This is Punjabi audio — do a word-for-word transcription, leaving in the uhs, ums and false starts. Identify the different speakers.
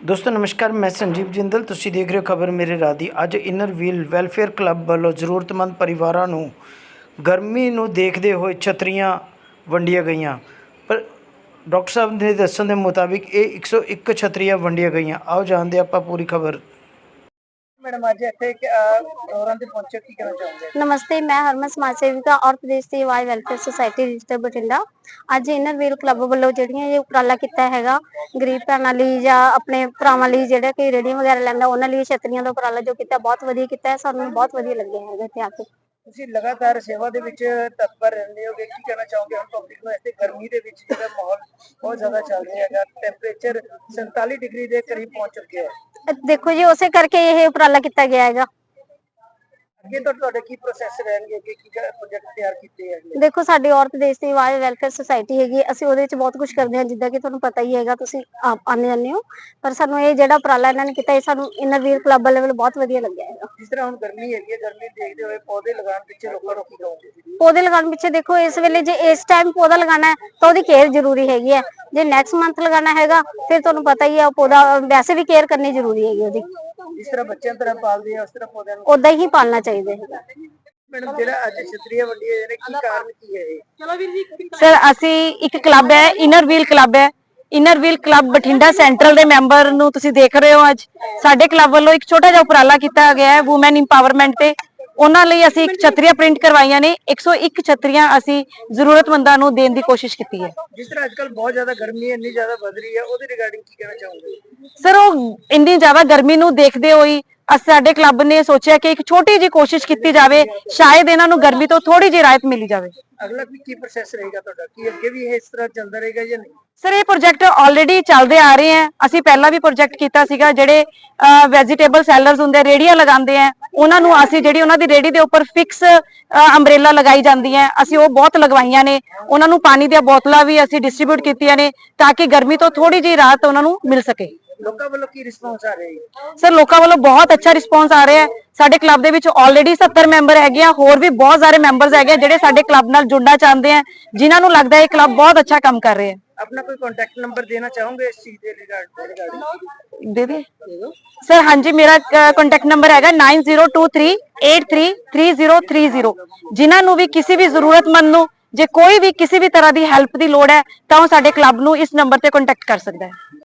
Speaker 1: दोस्तों नमस्कार, मैं संजीव जिंदल। तुसी देख रहे हो खबर मेरे राह दी। अज इनर व्हील वैलफेयर क्लब वालों ਜ਼ਰੂਰਤਮੰਦ परिवारों ਨੂੰ गर्मी ਨੂੰ देखते हुए छतरियां ਵੰਡੀਆਂ ਗਈਆਂ। पर डॉक्टर साहब ने दस्सण के मुताबिक ये एक सौ एक छतरियां ਵੰਡੀਆਂ गईਆਂ। आओ जानते ਆਪਾਂ पूरी खबर। मैडम अज इत्थे प्रोग्राम ते पहुंचे, की कहना चाहोगे?
Speaker 2: नमस्ते, मैं हरमन समाज सेविका और प्रदेश की आवाज वैलफेयर सोसाइटी रजिस्टर बठिंडा। अज इनर व्हील क्लब वालों जिहड़ियां ये उपराला किया हैगा गरीब भैणां लई जां अपने भरावां लई जिहड़े कि रेहड़ियां वगैरह लैंदा उन्हां लई छतरियां दा उपराला जो किया बहुत वधिया किया है। सानूं बहुत वधिया लग्गिया हैगा इत्थे आके।
Speaker 1: ਤੁਸੀਂ लगातार सेवा ਦੇ ਵਿੱਚ ਤਤਪਰ ਰਹਿੰਦੇ ਹੋਗੇ, ਕੀ ਕਹਿਣਾ ਚਾਹੋਗੇ ਹੁਣ ਪਬਲਿਕ ਨੂੰ? ਇਸ ਗਰਮੀ ਦੇ ਵਿੱਚ ਜਿਹੜਾ ਮਾਹੌਲ ਬਹੁਤ ਜ਼ਿਆਦਾ ਚੱਲ ਰਿਹਾ ਹੈਗਾ, ਟੈਂਪਰੇਚਰ सैंतालीस डिग्री ਦੇ ਕਰੀਬ ਪਹੁੰਚ ਚੁੱਕਿਆ ਹੈ।
Speaker 2: देखो जी, उसे करके ये उपराला किया गया हैगा।
Speaker 1: ਅੱਗੇ ਤੋਂ ਤੁਹਾਡੇ ਕੀ ਪ੍ਰੋਸੈਸ ਰਹਿਣਗੇ, ਅੱਗੇ ਕੀ ਪ੍ਰੋਜੈਕਟ ਤਿਆਰ ਕੀਤੇ ਹੈਗੇ?
Speaker 2: देखो साडी औरत देश की आवाज वैलफेयर सोसाइटी हैगी, ਅਸੀਂ ਉਹਦੇ ਵਿੱਚ ਬਹੁਤ ਕੁਝ ਕਰਦੇ ਹਾਂ, ਜਿੱਦਾਂ ਕਿ ਤੁਹਾਨੂੰ ਪਤਾ ਹੀ ਹੈਗਾ, ਤੁਸੀਂ ਆਪ ਆਨੇ ਜਾਂਦੇ ਹੋ। ਪਰ ਸਾਨੂੰ ਇਹ ਜਿਹੜਾ ਉਪਰਾਲਾ ਇਹਨਾਂ ਨੇ ਕੀਤਾ, ਇਹ ਸਾਨੂੰ ਇਨਰ ਵੀਲ ਕਲੱਬ ਲੈਵਲ ਬਹੁਤ ਵਧੀਆ ਲੱਗਿਆ ਹੈਗਾ।
Speaker 1: ਜਿਸ ਤਰ੍ਹਾਂ ਹੁਣ ਗਰਮੀ ਹੈਗੀ ਹੈ, ਗਰਮੀ ਦੇਖਦੇ ਹੋਏ ਪੌਦੇ ਲਗਾਉਣ ਪਿੱਛੇ ਲੋਕਾਂ ਨੂੰ ਕੀ ਕਹੋਗੇ?
Speaker 2: पौधे लगाने पीछे देखो, इस वेले जे इस टाइम पौधा लगाना है तो उसकी केयर जरूरी हैगी है। जे नैक्सट मंथ लगाना हैगा फिर तुहानूं पता ही है पौधा वैसे भी केयर करनी जरूरी हैगी ओदी।
Speaker 1: जिस तरह बच्चों तरह पालते हैं उस तरह पौधों को
Speaker 2: ओदा ही पालना चाहिए हैगा।
Speaker 1: मैडम जेड़ा अज छतरियां वंडियां ने की कारण की है? चलो वीर जी।
Speaker 3: सर ਅਸੀਂ ਇੱਕ ਕਲੱਬ ਹੈ, ਇਨਰ ਵੀਲ ਕਲੱਬ ਹੈ। Inner wheel club Bathinda central ਦੇ ਮੈਂਬਰ ਨੂੰ ਤੁਸੀਂ ਦੇਖ ਰਹੇ ਹੋ। ਅੱਜ ਸਾਡੇ ਕਲੱਬ ਵੱਲੋਂ ਇੱਕ ਛੋਟਾ ਜਿਹਾ ਉਪਰਾਲਾ ਕੀਤਾ ਗਿਆ ਹੈ ਵੂਮਨ ਇੰਪਾਵਰਮੈਂਟ ਤੇ। ਉਹਨਾਂ ਲਈ ਅਸੀਂ ਇੱਕ ਛਤਰੀਆਂ ਪ੍ਰਿੰਟ ਕਰਵਾਈਆਂ ਨੇ। एक सौ एक ਛਤਰੀਆਂ ਅਸੀਂ ਜ਼ਰੂਰਤਮੰਦਾਂ ਨੂੰ ਦੇਣ ਦੀ ਕੋਸ਼ਿਸ਼ ਕੀਤੀ ਹੈ।
Speaker 1: ਜਿਸ ਤਰ੍ਹਾਂ ਅੱਜਕੱਲ ਬਹੁਤ ਜ਼ਿਆਦਾ ਗਰਮੀ ਇੰਨੀ ਜ਼ਿਆਦਾ ਵਧ ਰਹੀ ਹੈ, ਉਹਦੇ ਰਿਗਾਰਡਿੰਗ ਕੀ ਕਹਿਣਾ ਚਾਹੋਗੇ?
Speaker 3: ਸਰ ਉਹ ਇੰਨੀ ਜ਼ਿਆਦਾ ਗਰਮੀ ਨੂੰ ਦੇਖਦੇ ਹੋਏ ਸਾਡੇ ਕਲੱਬ ਨੇ ਸੋਚਿਆ ਕਿ ਇੱਕ ਛੋਟੀ ਜਿਹੀ ਕੋਸ਼ਿਸ਼ ਕੀਤੀ ਜਾਵੇ, ਸ਼ਾਇਦ ਇਹਨਾਂ ਨੂੰ ਗਰਮੀ ਤੋਂ ਥੋੜੀ ਜਿਹੀ ਰਾਹਤ ਮਿਲੀ ਜਾਵੇ।
Speaker 1: ਅਗਲਾ ਕੀ ਪ੍ਰੋਸੈਸ ਰਹੇਗਾ ਤੁਹਾਡਾ? ਕੀ ਅੱਗੇ ਵੀ ਇਹ ਇਸ ਤਰ੍ਹਾਂ ਚੱਲਦਾ ਰਹੇਗਾ ਜਾਂ ਨਹੀਂ?
Speaker 3: ਸਰ ਇਹ ਪ੍ਰੋਜੈਕਟ ਆਲਰੇਡੀ ਚੱਲਦੇ ਆ ਰਹੇ ਆ। ਅਸੀਂ ਪਹਿਲਾਂ ਵੀ ਪ੍ਰੋਜੈਕਟ ਕੀਤਾ ਸੀਗਾ। ਜਿਹੜੇ ਵੈਜੀਟੇਬਲ ਸੈਲਰਸ ਹੁੰਦੇ, ਰੇੜੀਆਂ ਲਗਾਉਂਦੇ ਆ, ਉਹਨਾਂ ਨੂੰ ਅਸੀਂ ਜਿਹੜੀ ਉਹਨਾਂ ਦੀ ਰੇੜੀ ਦੇ ਉੱਪਰ ਫਿਕਸ ਅੰਬ੍ਰੇਲਾ ਲਗਾਈ ਜਾਂਦੀ ਹੈ, ਅਸੀਂ ਉਹ ਬਹੁਤ ਲਗਵਾਈਆਂ ਨੇ। ਉਹਨਾਂ ਨੂੰ ਪਾਣੀ ਦੀਆਂ ਬੋਤਲਾਂ ਵੀ ਅਸੀਂ ਡਿਸਟ੍ਰੀਬਿਊਟ ਕੀਤੀਆਂ ਨੇ ਤਾਂ ਕਿ ਗਰਮੀ ਤੋਂ ਥੋੜੀ ਜਿਹੀ ਰਾਹਤ ਉਹਨਾਂ ਨੂੰ ਮਿਲ ਸਕੇ।
Speaker 1: ਲੋਕਾਂ ਵੱਲੋਂ ਕੀ ਰਿਸਪੌਂਸ ਆ ਰਿਹਾ ਹੈ?
Speaker 3: ਸਰ ਲੋਕਾਂ ਵੱਲੋਂ ਬਹੁਤ ਅੱਛਾ ਰਿਸਪੌਂਸ ਆ ਰਿਹਾ ਹੈ। ਸਾਡੇ ਕਲੱਬ ਦੇ ਵਿੱਚ ਆਲਰੇਡੀ सत्तर ਮੈਂਬਰ ਹੈਗੇ ਆ, ਹੋਰ ਵੀ ਬਹੁਤ ਸਾਰੇ ਮੈਂਬਰਸ ਹੈਗੇ ਜਿਹੜੇ ਸਾਡੇ ਕਲੱਬ ਨਾਲ ਜੁੜਨਾ ਚਾਹੁੰਦੇ ਆ, ਜਿਨ੍ਹਾਂ ਨੂੰ ਲੱਗਦਾ ਹੈ ਇਹ ਕਲੱਬ ਬਹੁਤ ਅੱਛਾ ਕੰਮ ਕਰ ਰਿਹਾ ਹੈ।
Speaker 1: अपना कोई कांटेक्ट नंबर देना चाहोगे इस चीज के रिगार्डिंग?
Speaker 3: दे दे सर। हाँ जी, मेरा कांटेक्ट नंबर है nine zero two three eight three three zero three zero. जिन्होंने भी किसी भी जरूरतमंद ਨੂੰ ਜੇ ਕੋਈ ਵੀ ਕਿਸੇ ਵੀ ਤਰ੍ਹਾਂ ਦੀ ਹੈਲਪ ਦੀ ਲੋੜ ਹੈ ਤਾਂ ਉਹ ਸਾਡੇ ਕਲੱਬ ਨੂੰ ਇਸ ਨੰਬਰ ਤੇ ਕੰਟੈਕਟ ਕਰ ਸਕਦਾ ਹੈ।